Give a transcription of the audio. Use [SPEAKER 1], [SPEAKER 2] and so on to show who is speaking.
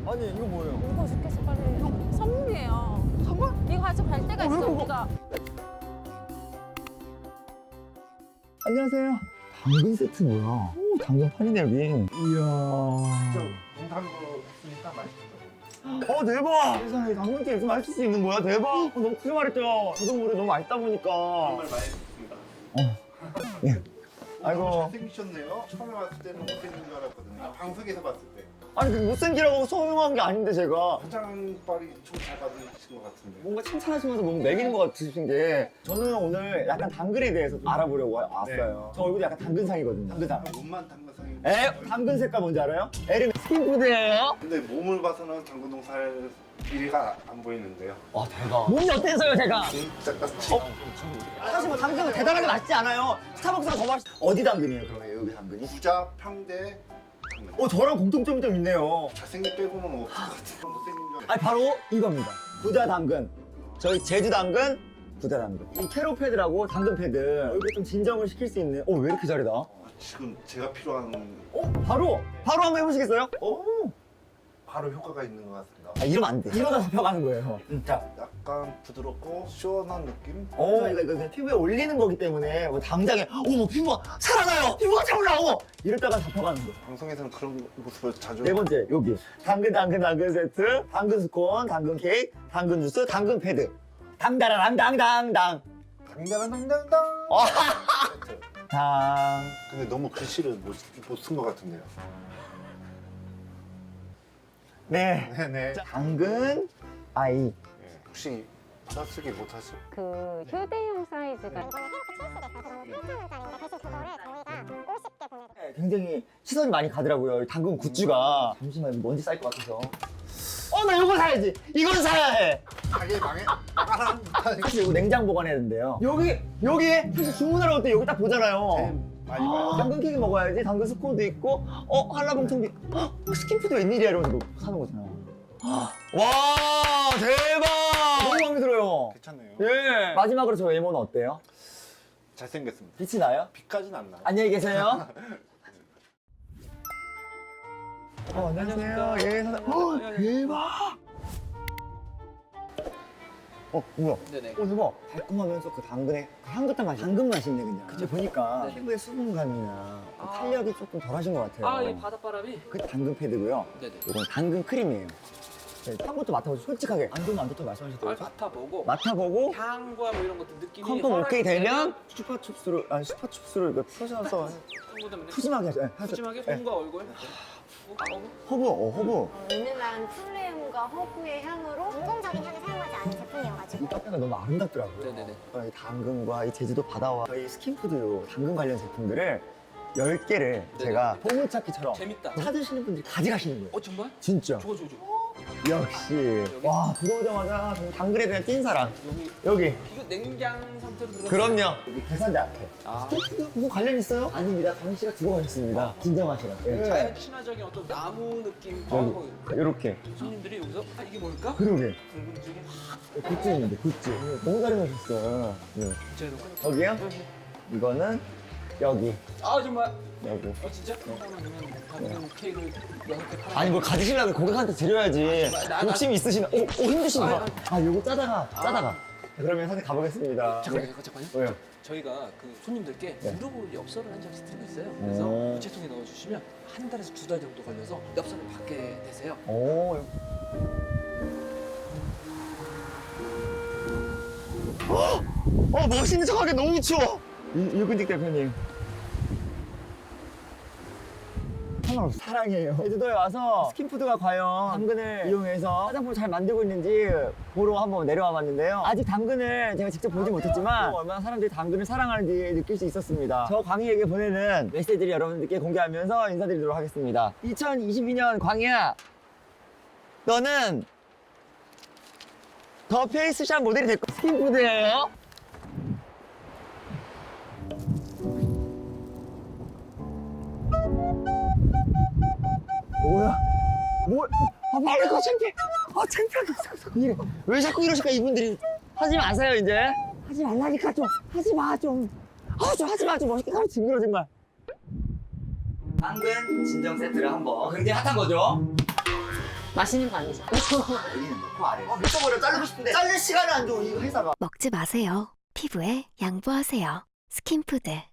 [SPEAKER 1] 아니 이거 뭐예요?
[SPEAKER 2] 먹고 싶겠어 빨리. 형 선물이에요.
[SPEAKER 1] 선물?
[SPEAKER 2] 이거 가지고 갈 데가
[SPEAKER 1] 왜
[SPEAKER 2] 있어
[SPEAKER 1] 먹어?
[SPEAKER 2] 우리가.
[SPEAKER 1] 안녕하세요. 당근 세트 뭐야? 오, 당근 판이네 여기. 이야.
[SPEAKER 3] 농담으로 했으니까 맛있어요.
[SPEAKER 1] 대박! 세상에 당근찜 이렇게 맛있을 수 있는 거야? 대박! 너무 크게 말했죠? 저도 모르게 너무 맛있다 보니까.
[SPEAKER 3] 정말 맛있습니다.
[SPEAKER 1] 예. 아이고.
[SPEAKER 3] 잘생기셨네요. 처음에 봤을 때는 못생긴 줄 알았거든요. 방송에서 봤을 때.
[SPEAKER 1] 아니, 그 못생기라고 소용한 게 아닌데, 제가.
[SPEAKER 3] 화장빨이 좀 잘 받으신 것 같은데.
[SPEAKER 1] 뭔가 칭찬하시면서 뭔가 매기는 것 같으신 게 저는 오늘 약간 당근에 대해서 좀 알아보려고 왔어요. 저 얼굴이 약간 당근상이거든요. 당근상.
[SPEAKER 3] 몸만 당근상이.
[SPEAKER 1] 당근 색깔 뭔지 알아요? 에르메 스킨푸드예요.
[SPEAKER 3] 근데 몸을 봐서는 당근동 살 길이가 안 보이는데요.
[SPEAKER 1] 와, 대박. 몸이 어때서요, 제가?
[SPEAKER 3] 진짜 같이.
[SPEAKER 1] 사실 뭐 당근은 대단하게 맛있지 않아요. 스타벅스가 더 맛있... 어디 당근이에요, 그러면 여기 당근이?
[SPEAKER 3] 부자 평대 당근.
[SPEAKER 1] 저랑 공통점이 좀 있네요.
[SPEAKER 3] 잘생긴 빼고는 없을 것 같아요. 못생긴 줄 알았어요.
[SPEAKER 1] 아니, 바로 이겁니다. 부자 당근. 저희 제주 당근, 부자 당근. 이 캐로 패드라고 당근 패드. 얼굴에 좀 진정을 시킬 수 있는. 왜 이렇게 잘해, 나?
[SPEAKER 3] 지금 제가 필요한
[SPEAKER 1] 바로 한번 해보시겠어요?
[SPEAKER 3] 바로 효과가 있는 것 같습니다.
[SPEAKER 1] 이러면 안 돼. 이러다 잡혀가는 거예요. 자.
[SPEAKER 3] 약간 부드럽고 시원한 느낌?
[SPEAKER 1] 저희가 이거 그냥 피부에 올리는 거기 때문에 뭐 당장에 뭐 피부가 살아나요! 피부가 차올라오! 이랬다가 잡혀가는 거예요.
[SPEAKER 3] 방송에서는 그런 모습을 자주.
[SPEAKER 1] 네 번째, 여기. 당근 세트, 당근 스콘, 당근 케이크, 당근 주스, 당근 패드. 당다라랑당당당.
[SPEAKER 3] 당당당당당.
[SPEAKER 1] 당.
[SPEAKER 3] 근데 너무 글씨를 못 쓴 것 같은데요.
[SPEAKER 1] 네.
[SPEAKER 3] 네네.
[SPEAKER 1] 당근 아이.
[SPEAKER 3] 혹시 받아쓰기 못하실?
[SPEAKER 2] 그 휴대용 사이즈가.
[SPEAKER 1] 굉장히 시선이 많이 가더라고요. 이 당근 굿즈가. 잠시만, 먼지 쌓일 것 같아서. 나 이거 사야지! 이건 사야 해!
[SPEAKER 3] 가게 망한
[SPEAKER 1] 사실 이거 냉장 보관해야 된대요. 여기 사실 주문하러 올 때 여기 딱 보잖아요.
[SPEAKER 3] 많이 봐요.
[SPEAKER 1] 당근 케이크 먹어야지. 당근 스콘도 있고, 한라봉통도 있고, 스킨푸드 웬일이야 이러면서 이거 사는 거잖아. 와, 대박! 너무 마음에 들어요.
[SPEAKER 3] 괜찮네요.
[SPEAKER 1] 예. 마지막으로 저 외모는 어때요?
[SPEAKER 3] 잘생겼습니다.
[SPEAKER 1] 빛이 나요?
[SPEAKER 3] 빛까지는 안 나요.
[SPEAKER 1] 안녕히 계세요. 안녕하세요. 예, 사장. 대박! 뭐야?
[SPEAKER 4] 네네.
[SPEAKER 1] 대박. 달콤하면서 그 당근의 그 향긋한 맛이 당근 맛이 있네, 그냥. 그치, 보니까
[SPEAKER 4] 네.
[SPEAKER 1] 피부의 수분감이나 그
[SPEAKER 4] 아.
[SPEAKER 1] 탄력이 조금 덜하신 것 같아요.
[SPEAKER 4] 이 바닷바람이.
[SPEAKER 1] 그 당근 패드고요.
[SPEAKER 4] 네네.
[SPEAKER 1] 이건 당근 크림이에요. 네, 향부터 맡아보세요. 솔직하게. 안 좋으면 안 좋다고 말씀하셨더라고요.
[SPEAKER 4] 맡아보고
[SPEAKER 1] 맡아보고
[SPEAKER 4] 향과 뭐 이런 것들 느낌이
[SPEAKER 1] 컨펌 오케이 되면
[SPEAKER 4] 허락이
[SPEAKER 1] 슈퍼춥스를 이거 푸셔서
[SPEAKER 4] 되면
[SPEAKER 1] 푸짐하게 하죠.
[SPEAKER 4] 푸짐하게
[SPEAKER 1] 네.
[SPEAKER 4] 손과 얼굴
[SPEAKER 1] 허브.
[SPEAKER 2] 은은한 플레임과 허브의 향으로
[SPEAKER 5] 인공적인 향을 사용하지 않은 제품이어가지고
[SPEAKER 1] 이 카페가 너무 아름답더라고요.
[SPEAKER 4] 네네네.
[SPEAKER 1] 이 당근과 이 제주도 바다와 저희 스킨푸드 당근 관련 제품들을 10개를 제가 보물찾기처럼
[SPEAKER 4] 재밌다.
[SPEAKER 1] 찾으시는 분들이 가져가시는 거예요.
[SPEAKER 4] 정말?
[SPEAKER 1] 진짜.
[SPEAKER 4] 좋아.
[SPEAKER 1] 역시. 와, 들어오자마자 정말 당근에 대한 찐사랑. 여기.
[SPEAKER 4] 이거 냉장 상태로 들어가.
[SPEAKER 1] 그럼요. 여기 계산대 앞에.
[SPEAKER 4] 아.
[SPEAKER 1] 스킨푸드 무슨 관련 있어요? 아닙니다. 당근 씨가 주고 가셨습니다. 진정하시라. 예.
[SPEAKER 4] 자연 친화적인 어떤 나무 느낌.
[SPEAKER 1] 이렇게.
[SPEAKER 4] 손님들이 여기서 이게 뭘까?
[SPEAKER 1] 그러게.
[SPEAKER 4] 궁금증이 확.
[SPEAKER 1] 굿즈 있는데, 굿즈. 너무 잘 해놓으셨어요. 네.
[SPEAKER 4] 제로.
[SPEAKER 1] 여기요? 이거는 여기.
[SPEAKER 4] 정말.
[SPEAKER 1] 여기.
[SPEAKER 4] 진짜? 당근 케이크를 6개 팔아.
[SPEAKER 1] 아니 뭘 가지시려면 고객한테 드려야지. 욕심이 있으시나? 힘드신가? 요거 짜다가. 그러면 사진 가보겠습니다.
[SPEAKER 4] 잠깐만요.
[SPEAKER 1] 왜요?
[SPEAKER 4] 저희가 그 손님들께
[SPEAKER 1] 네.
[SPEAKER 4] 무료로 엽서를 한 장씩 드리고 있어요. 그래서
[SPEAKER 1] 오.
[SPEAKER 4] 우체통에 넣어주시면 한 달에서 2달 정도 걸려서 엽서를 받게 되세요.
[SPEAKER 1] 오. 멋있는 척하기 너무 추워. 유근직 대표님. 사랑해요. 제주도에 와서 스킨푸드가 과연 당근을 이용해서 화장품을 잘 만들고 있는지 보러 한번 내려와 봤는데요. 아직 당근을 제가 직접 보지 못했지만 얼마나 사람들이 당근을 사랑하는지 느낄 수 있었습니다. 저 광희에게 보내는 메시지를 여러분들께 공개하면서 인사드리도록 하겠습니다. 2022년 광희야, 너는 더 페이스샵 모델이 될 거야. 스킨푸드예요. 뭐야? 빨리 가, 창피해. 창피하게. 이래. 왜 자꾸 이러실까, 이분들이. 하지 마세요, 이제. 하지 말라니까, 좀. 하지 마, 좀. 좀 하지 마, 좀 멋있게 가면 징그러, 정말. 당근 진정 세트를 한번. 굉장히 핫한 거죠?
[SPEAKER 2] 맛있는 거 아니죠?
[SPEAKER 1] 여기는 넣고 아래. 미쳐버려. 자르고 싶은데 자를 시간을 안 줘. 이 회사가.
[SPEAKER 6] 먹지 마세요. 피부에 양보하세요. 스킨푸드.